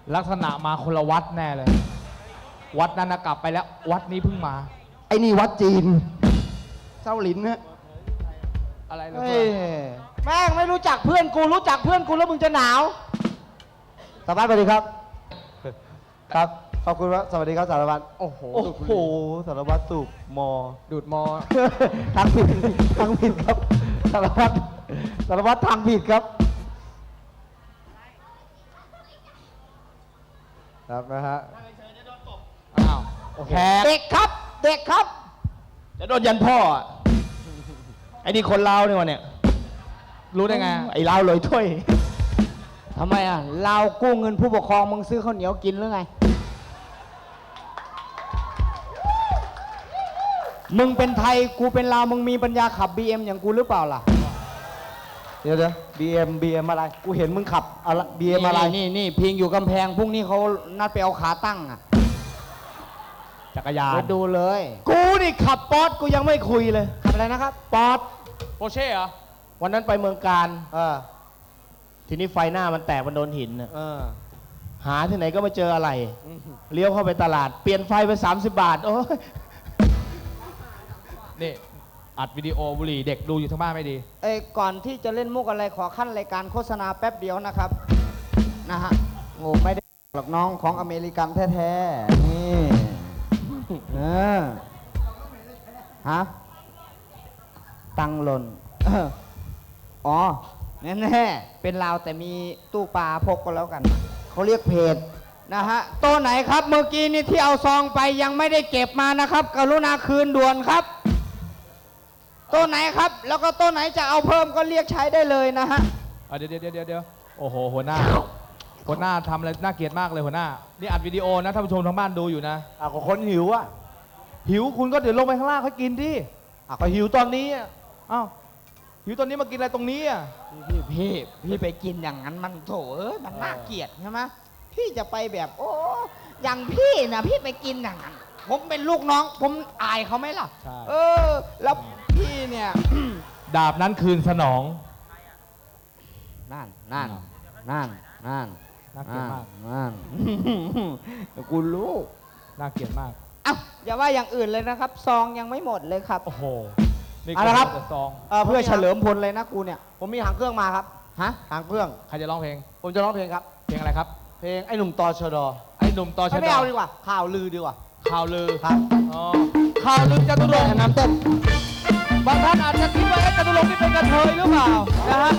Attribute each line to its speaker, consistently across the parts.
Speaker 1: ลักษณะมาคนละวัดแน่เลย วัดนั้นนะกลับไปแล้ว วัดนี้เพิ่งมา
Speaker 2: ไอ้นี่วัดจีนเจ้าหลินนะ
Speaker 1: อะไรเลย
Speaker 2: เฮ้ยแม่งไม่รู้จักเพื่อนกูรู้จักเพื่อนกูแล้วมึงจะหนาวสารวัตรสวัสดีครับ ครับขอบคุณครับสวัสดีครับสารวัตรโอ้โหสารวัตรสูบมอ
Speaker 1: ดูดมอ
Speaker 2: ทางผิดทางผิดครับสารวัตรทางผิดครับครับนะฮะ
Speaker 1: อ้าวแขก
Speaker 2: เด็กครับเด็กครับ
Speaker 3: จะโดนยันพ่ออะไอ้นี่คนลาวเนี่ยวะเนี่ย
Speaker 1: รู้ได้ไง
Speaker 3: ไอ้ลาวลอยถ้วย
Speaker 2: ทำไมอ่ะเรากู้เงินผู้ปกครองมึงซื้อข้าวเหนียวกินหรือไงมึงเป็นไทยกูเป็นลาวมึงมีปัญญาขับ BM อย่างกูหรือเปล่าล่ะเดี๋ยวBM อะไรกูเห็นมึงขับอะไร BM อะไรนี่พิงอยู่กำแพงพรุ่งนี้เขานัดไปเอาขาตั้งอ่ะ
Speaker 1: จักรยาน
Speaker 2: ไปดูเลย
Speaker 3: กูนี่ขับป๊อตกูยังไม่คุยเลย
Speaker 2: ขับอะไรนะครับ
Speaker 3: ป๊อต
Speaker 1: โปเช่เหรอ
Speaker 3: วันนั้นไปเมืองการ
Speaker 2: เออ
Speaker 3: ทีนี้ไฟหน้ามันแตกมันโดนหินน่ะ
Speaker 2: เออ
Speaker 3: หาที่ไหนก็ไม่เจออะไร เลี้ยวเข้าไปตลาด เปลี่ยนไฟไป30 บาท โอ้ย
Speaker 1: นี่ อัดวิดีโอบุหรี่เด็กดูอยู่ทั้งบ้านไม่ดี
Speaker 2: ก่อนที่จะเล่นมุกอะไรขอขั้นรายการโฆษณาแป๊บเดียวนะครับ นะฮะโง่ไม่ได้หรอกน้องของอเมริกันแท้ๆนี่เออฮะตังหล่นอ๋อแน่ๆเป็นลาวแต่มีตู้ปลาพกก็แล้วกันเขาเรียกเพจนะฮะโต๊ะไหนครับเมื่อกี้นี่ที่เอาซองไปยังไม่ได้เก็บมานะครับกรุณาคืนด่วนครับโต๊ะไหนครับแล้วก็โต๊ะไหนจะเอาเพิ่มก็เรียกใช้ได้เลยนะฮะ
Speaker 1: เดี๋ยวโอ้โหหัวหน้าทำอะไรน่าเกลียดมากเลยหัวหน้า นี่อัดวิดีโอนะท่านผู้ชมทางบ้านดูอยู่นะ
Speaker 3: ก็คนหิวอ่ะ
Speaker 1: หิวคุณก็เดี๋ยวลงไปข้างล่างค่อยกินดิ
Speaker 3: ก็หิวตอนนี้อะ
Speaker 1: อ้าวหิวตอนนี้มากินอะไรตรงนี้อ่ะ
Speaker 2: พี่ไปกินอย่างนั้นมันโถมันน่าเกลียดใช่ไหมพี่จะไปแบบโอ้อย่างพี่นะพี่ไปกินอย่างนั้นผมเป็นลูกน้องผมอายเขาไหมล่ะ
Speaker 1: ใช่
Speaker 2: แล้วพี่เนี่ย
Speaker 1: ดาบนั้นคืนสนอง
Speaker 2: นั่น
Speaker 1: น่าเกลียดมาก
Speaker 2: กูรู้
Speaker 1: น่าเกลียดมาก
Speaker 2: เอ้าอย่าว่าอย่างอื่นเลยนะครับ ซองยังไม่หมดเลยครับ
Speaker 1: โอ้โห นี่
Speaker 2: เอาละครับ
Speaker 1: แต่ซอง
Speaker 2: เพื่อเฉลิมพลเลยนะกูเนี่ยผมมีหางเครื่องมาครับฮะหางเครื่อง
Speaker 1: ใครจะร้องเพลง
Speaker 2: ผมจะร้องเพลงครับ
Speaker 1: เพลงอะไรครับ
Speaker 2: เพลงไอ้หนุ่มตอชด
Speaker 1: ไอ้หนุ่มตอชะด
Speaker 2: ไม่เอาดีกว่าข่าวลือดีกว่า
Speaker 1: ข่าวลือ
Speaker 2: ครับ
Speaker 1: อ๋อข่าวลือจตุรงค์
Speaker 2: น้ำเต้น
Speaker 1: บางท่านอาจจะคิดว่าจตุรงค์นี่เป็นกระเทยหรือเปล่า นะฮะ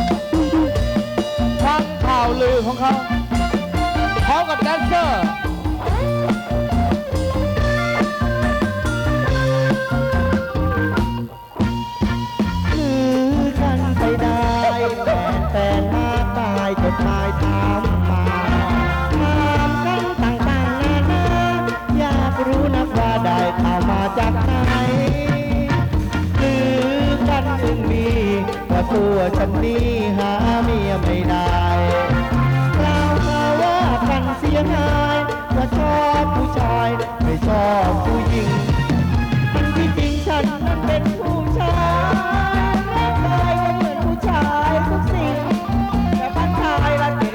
Speaker 1: ฟังข่าวลือของเขาพร้อมกับแดนเซอร์
Speaker 4: ลือกันไปได้แฟนมากมายจดหมายถามมาถามกันต่างๆนานาอยากรู้นักว่าได้ข่าวมาจากไหนลือกันอึงมีว่าตัวฉันนี้หาเมียไม่ได้กล่าวหาว่ากันเสียหายว่าชอบผู้ชายไม่ชอบผู้หญิงทั้งที่จริงฉันนั้นเป็นผู้ชายร่างกายก็เหมือนผู้ชายทุกสิ่งแต่บ้านชายละเดี๋ยว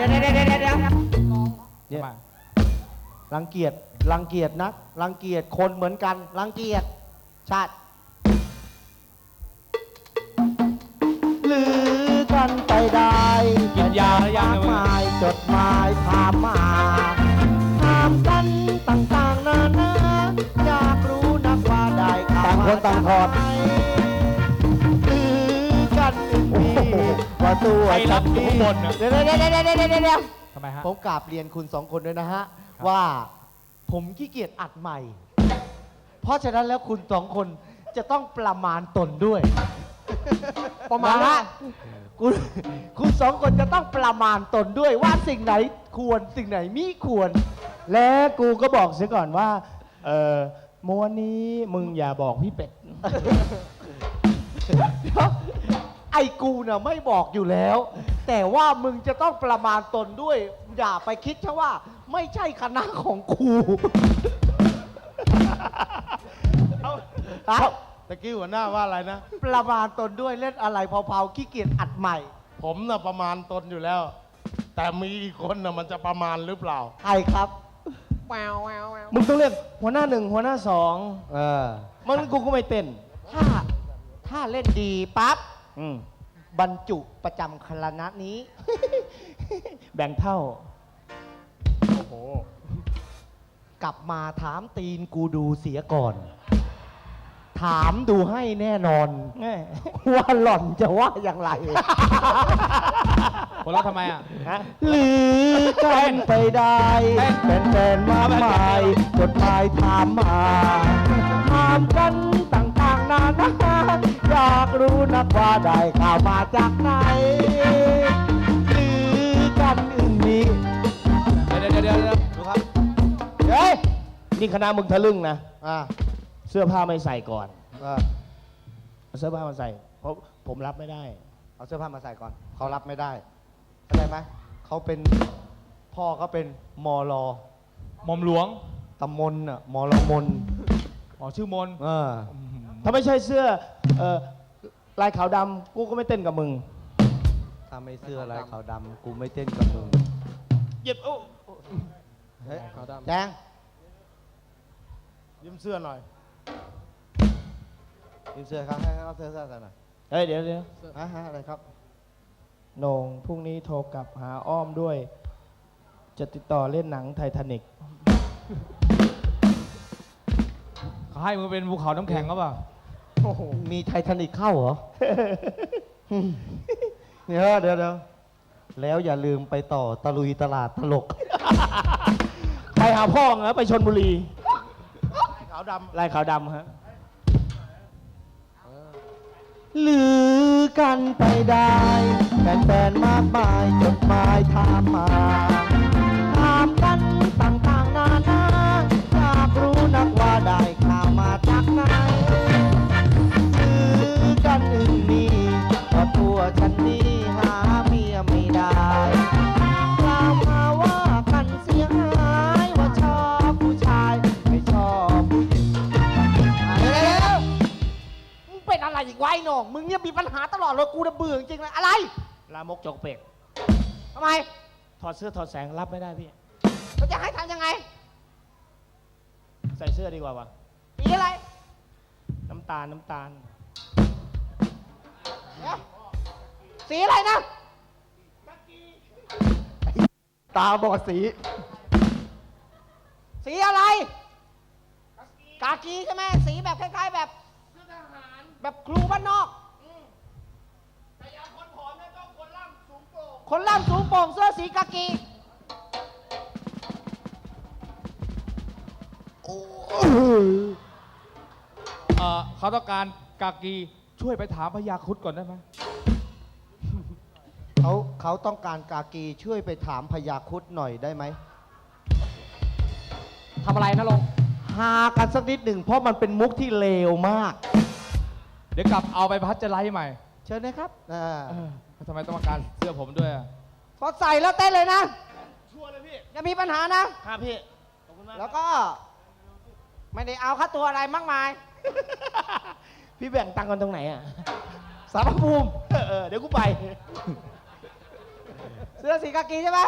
Speaker 2: เนี่ยรังเกียจนักรังเกียจคนเหมือนกันรังเกียจชาติลือกันไปได้
Speaker 1: กินยาหรือยังเนี่ย
Speaker 2: มากมายจดหมายถามมาถามกันต่างๆนานาอยากรู้นักว่าได้ข่าวต่างคนต่างถอดลือกันมีว่าตัว
Speaker 1: ใครรับอยู่ข้างบนน่ะ
Speaker 2: เดี๋ยว
Speaker 1: ทำไมฮะ
Speaker 2: ผมกราบเรียนคุณสองคนด้วยนะฮะ ว่าผมขี้เกียจอัดใหม่ เพราะฉะนั้นแล้วคุณสองคนจะต้องประมาณตนด้วย ประมาณว่าคุณสองคนจะต้องประมาณตนด้วยว่าสิ่งไหนควรสิ่งไหนมิควร
Speaker 3: และกูก็บอกเสียก่อนว่า ม้วนนี้มึงอย่าบอกพี่เป็ด
Speaker 2: เดี๋ยวไอ้กูน่ะไม่บอกอยู่แล้ว แต่ว่ามึงจะต้องประมาณตนด้วย อย่าไปคิดแค่ว่าไม่ใช่คณะของกู
Speaker 3: ตะกี้หัวหน้าว่าอะไรนะ
Speaker 2: ประมาณตนด้วยเล่นอะไรเผาๆขี้เกียจอัดใหม่
Speaker 3: ผมน่ะประมาณตนอยู่แล้ว แ
Speaker 5: แต่มีอีกคนน่ะมันจะประมาณหรือเปล่า
Speaker 2: ใครครับ
Speaker 3: มึงต้องเรียกหัวหน้าหนึ่งหัวหน้าสอง
Speaker 2: เออ
Speaker 3: มันกูก็ไม่เต้น
Speaker 4: ถ้าเล่นดีปั๊บ
Speaker 3: อืม
Speaker 4: บรรจุประจำคณะนี้
Speaker 3: แบ่งเท่า
Speaker 5: โอ้โห
Speaker 4: กลับมาถามตีนกูดูเสียก่อน ถามดูให้แน่นอน
Speaker 3: แง่
Speaker 4: ว่าหล่อนจะว่าอย่างไร
Speaker 1: คนเราะทำไมอ่ะ
Speaker 3: ฮะ
Speaker 4: หรือกันไปได้เป็นแฟนๆมากมายจดหมายถามมาถามกันต่างๆนานาอยากรู้นักว่าได้ข่าวมาจากไหนหรือกันอึ่งนี้
Speaker 1: เดี๋ยว
Speaker 2: ดูครับ
Speaker 3: เฮ้ย นี่คณะมึงทะลึ่งนะ
Speaker 2: อ่า
Speaker 3: เสื้อผ้าไม่ใส่ก่อน
Speaker 2: อ่า
Speaker 3: เอาเสื้อผ้ามาใส่ เพราะผมรับไม่ได้
Speaker 2: เอาเสื้อผ้ามาใส่ก่อน เขารับไม่ได้เข้าใจไหม เขาเป็นพ่อเขาเป็นมอลอ
Speaker 1: หม่อมหลวง
Speaker 2: ตำมนอ่ะมอลมน
Speaker 1: อ๋อชื่อมน
Speaker 2: เออ
Speaker 3: ถ้าไม่ใช่เสื้อลายขาวดำกูก็ไม่เต้นกับมึง
Speaker 2: ถ้าไม่เสื้อลายขาวดำกูไม่เต้นกับมึง
Speaker 3: เหยียบโอ้
Speaker 2: เฮ้ยแจง
Speaker 5: ยืมเสื้อหน่อย
Speaker 2: ยืมเสื้อครับให้เขาเสื้อใส่หน่อย
Speaker 3: เฮ้ยเดี๋ยว
Speaker 2: ฮะอะไรครับ
Speaker 3: โหน่งพรุ่งนี้โทรกลับหาอ้อมด้วย จะติดต่อเล่นหนังไททานิก
Speaker 1: เขาให้มึงเป็นภูเขาน้ำแข็งก็เปล่า
Speaker 2: มีไททานิกเข้าเหรอ เดี๋ยวแล้วอย่าลืมไปต่อตะลุยตลาดตลก
Speaker 3: ไปหาพ่อเหรอไปชนบุรี
Speaker 5: ขาวด
Speaker 3: ลายขาวดำฮะ
Speaker 4: หรือกันไปได้แฟนๆมากมายจดหมายถามมาถามกันต่างๆนานาอยากรู้นักว่าได้ข่าวมาจากไหนหรือกันอึ่งนี้ก็ตัวฉันนี้หาเมียไม่ได้กล่าวมาว่ากันเสียหายว่าชอบผู้ชายไม่ชอบผู้หญิง มึงเป็นอะไรอีกวะไอ้หน่องมึงเนี่ยมีปัญหาตลอดเลยกูจะเบื่อจริงๆเลยอะไร
Speaker 3: ลามกจกเปก
Speaker 4: ทำไม
Speaker 3: ถอดเสื้อถอดแสงรับไม่ได้พี่
Speaker 4: เราจะให้ทำยังไง
Speaker 3: ใส่เสื้อดีกว่าวะ
Speaker 4: สีอะไร
Speaker 3: น้ำตาล
Speaker 4: เดี๋ยวสีอะไรนะ
Speaker 2: ตาบอดสี
Speaker 4: สีอะไร กากีใช่ไหมสีแบบคล้ายๆแบบแบบครูบ้านนอกคนล่ำสูงโปร่งเสื้อสีกากี
Speaker 1: เขาต้องการกากีช่วยไปถามพญาครุฑก่อนได้ไหม
Speaker 2: เขาต้องการกากีช่วยไปถามพญาครุฑหน่อยได้ไหม
Speaker 4: ทำอะไรนะลง
Speaker 2: หากันสักนิดหนึ่งเพราะมันเป็นมุกที่เลวมาก
Speaker 1: เดี๋ยวกลับเอาไปพัชจะไลท์ใหม่
Speaker 2: เชิญนะครับ
Speaker 1: ทำไมต้องมาการเสื้อผมด้วยอะ
Speaker 4: พอใส่แล้วเต้นเลยนะ
Speaker 3: ชัวร์เลยพี่
Speaker 4: อย่ามีปัญหานะ
Speaker 3: ครับพี่ ขอบคุณมาก
Speaker 4: แล้วก็ ไม่ได้เอาค่าตัวอะไรมากมาย
Speaker 3: พี่แบ่งตังค์กันตรงไหนอ่ะ
Speaker 2: สารพระภูมิ
Speaker 3: เดี๋ยวกูไป
Speaker 4: เสื้อสีกากีใช่ไหม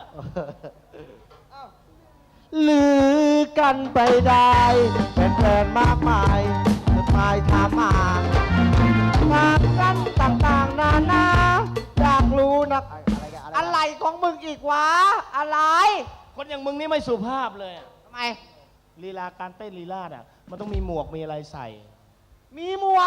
Speaker 2: หรือกันไปได้แฟนๆมากมายจดหมายถามมาถามกันต่างๆนานาอยากรู้นัก
Speaker 4: อะไรของมึงอีกวะ อะไร
Speaker 3: คนอย่างมึงนี่ไม่สุภาพเลยอะ
Speaker 4: ทำไม
Speaker 3: ลีลาการเต้นลีลาดอ่ะ มันต้องมีหมวกมีอะไรใส่
Speaker 4: มีหมวก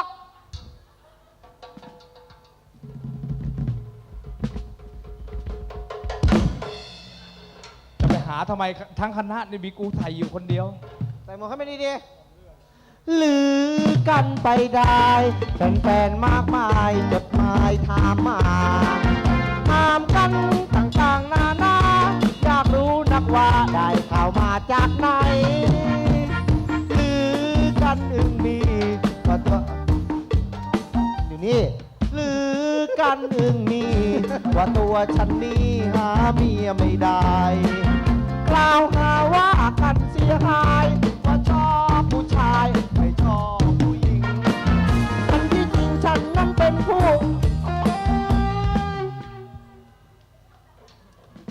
Speaker 1: จะไปหาทำไมทั้งคณะนี่มีกูไทยอยู่คนเดียว
Speaker 4: ใส่หมวกให้ไม่ดี
Speaker 2: หรือกันไปได้แฟนๆมากมายจดหมายถามมาถามกันต่างๆนานาอยากรู้นักว่าได้ข่าวมาจากไหนหรือกันอึ่งมีก็ตัวอยู่นี่หรือกันอึ่งมีว่าตัวฉันนี้หาเมียไม่ได้ กล่าวหาว่ากันเสียหายว่าชอบผู้ชายไม่ชอบผู้หญิงอันที่จริงฉันนั้นเป็นผู้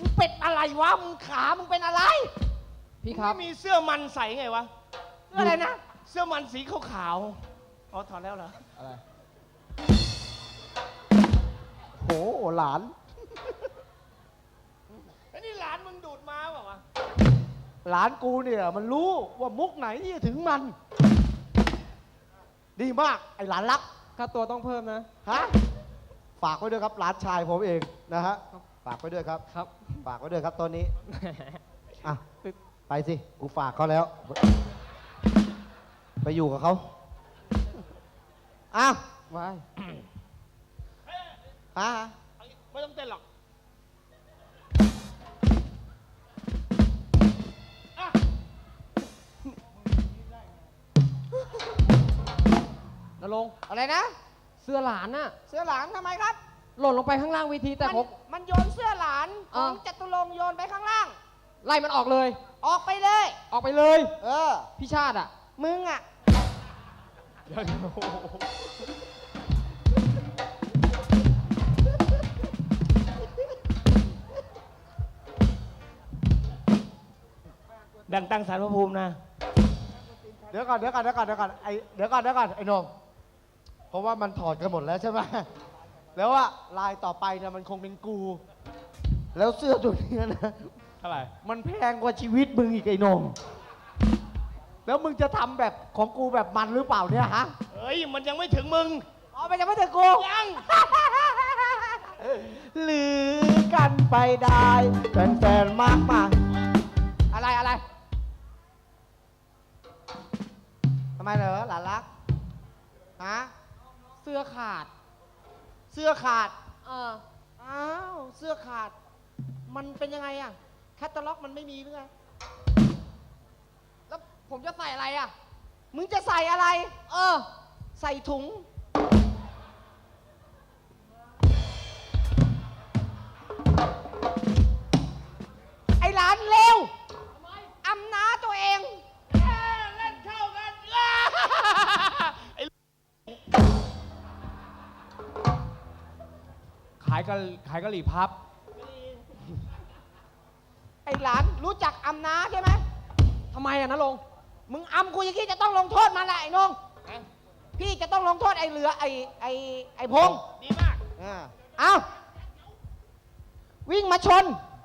Speaker 5: วะ มึงขา มึงเป็นอะไร
Speaker 1: พี่ครับ
Speaker 5: ไม่มีเสื้อมันใส่ไงวะ
Speaker 2: เสื้ออะไรนะ
Speaker 5: เสื้อมันสีขาวๆอ๋อถอดแล้วเหรอ
Speaker 1: อะไร
Speaker 2: โหหลาน
Speaker 5: ไอ้นี่หลานมึงดูดมาเปล่าวะ
Speaker 2: หลานกูเนี่ยมันรู้ว่ามุกไหนที่จะถึงมัน ดีมากไอ้หลานรัก
Speaker 4: ค่าตัวต้องเพิ่มนะ
Speaker 2: ฮะฝากไว้ด้วยครับหลานชายผมเองนะฮะฝากไว้ด้วยครับ
Speaker 4: ครับ
Speaker 2: ฝากไว้ด้วยครับตอนนี้อ่ะไปสิกูฝากเขาแล้ว ไปอยู่กับเขาอ้าว
Speaker 4: ว้าย
Speaker 2: ฮะ
Speaker 5: ไม่ต้องเต้นหรอก
Speaker 4: นรงค์
Speaker 2: อะไรนะ
Speaker 4: เสื้อหลานน่ะ
Speaker 2: เสื้อหลานทำไมครับ
Speaker 4: หล่นลงไปข้างล่างเวทีแต่ผม
Speaker 2: มันโยนเสื้อหลานข
Speaker 4: อ่ะ
Speaker 2: องจตุรงค์โยนไปข้างล่าง
Speaker 4: ไล่มันออกเลย
Speaker 2: ออกไปเลย
Speaker 4: ออกไปเลย
Speaker 2: เออ
Speaker 4: พี่ชาติอ่ะ
Speaker 2: มึงอ่ะ
Speaker 5: แบ่งตังสารพระภูมินะ
Speaker 2: เดี๋ยวก่อนเดี๋ยวก่อนไอ้หนงเพราะว่ามันถอดกันหมดแล้วใช่ไหมแล้วว่าลายต่อไปเนี่ยมันคงเป็นกู แล้วเสื้อตัวนี้นะ
Speaker 1: เท่าไหร่
Speaker 2: มันแพงกว่าชีวิตมึงอีกไอ้หนงแล้วมึงจะทำแบบของกูแบบมันหรือเปล่าเนี่ยฮะ
Speaker 5: เฮ้ย มันยังไม่ถึงมึง
Speaker 2: อ๋อไปยังไม่ถึงกู
Speaker 5: ยัง
Speaker 2: หรือกันไปได้แฟนๆมากมายอะไรทำไมเหรอหลานรักฮะ
Speaker 4: เสื้อขาด
Speaker 2: เสื้อขาด
Speaker 4: อ้าว เสื้อขาด มันเป็นยังไงอะแคตตาล็อกมันไม่มีหรือไง แล้วผมจะใส่อะไรอะ
Speaker 2: มึงจะใส่อะไร
Speaker 4: ใส่ถุง
Speaker 2: ไอ้หลานเลวอำนาตัวเอง
Speaker 5: เล่นเข้ากัน
Speaker 1: ขายกะหรี่พับ
Speaker 2: ไอ้หลานรู้จักอำนาใช่ไหม
Speaker 4: ทำไมอะนะลงค์
Speaker 2: มึงอำกูอย่างนี้จะต้องลงโทษมันแหละไอ้นงพี่จะต้องลงโทษไอ้เหลือไอ้พงษ์
Speaker 5: ดีมาก
Speaker 2: เอาวิ่งมาชน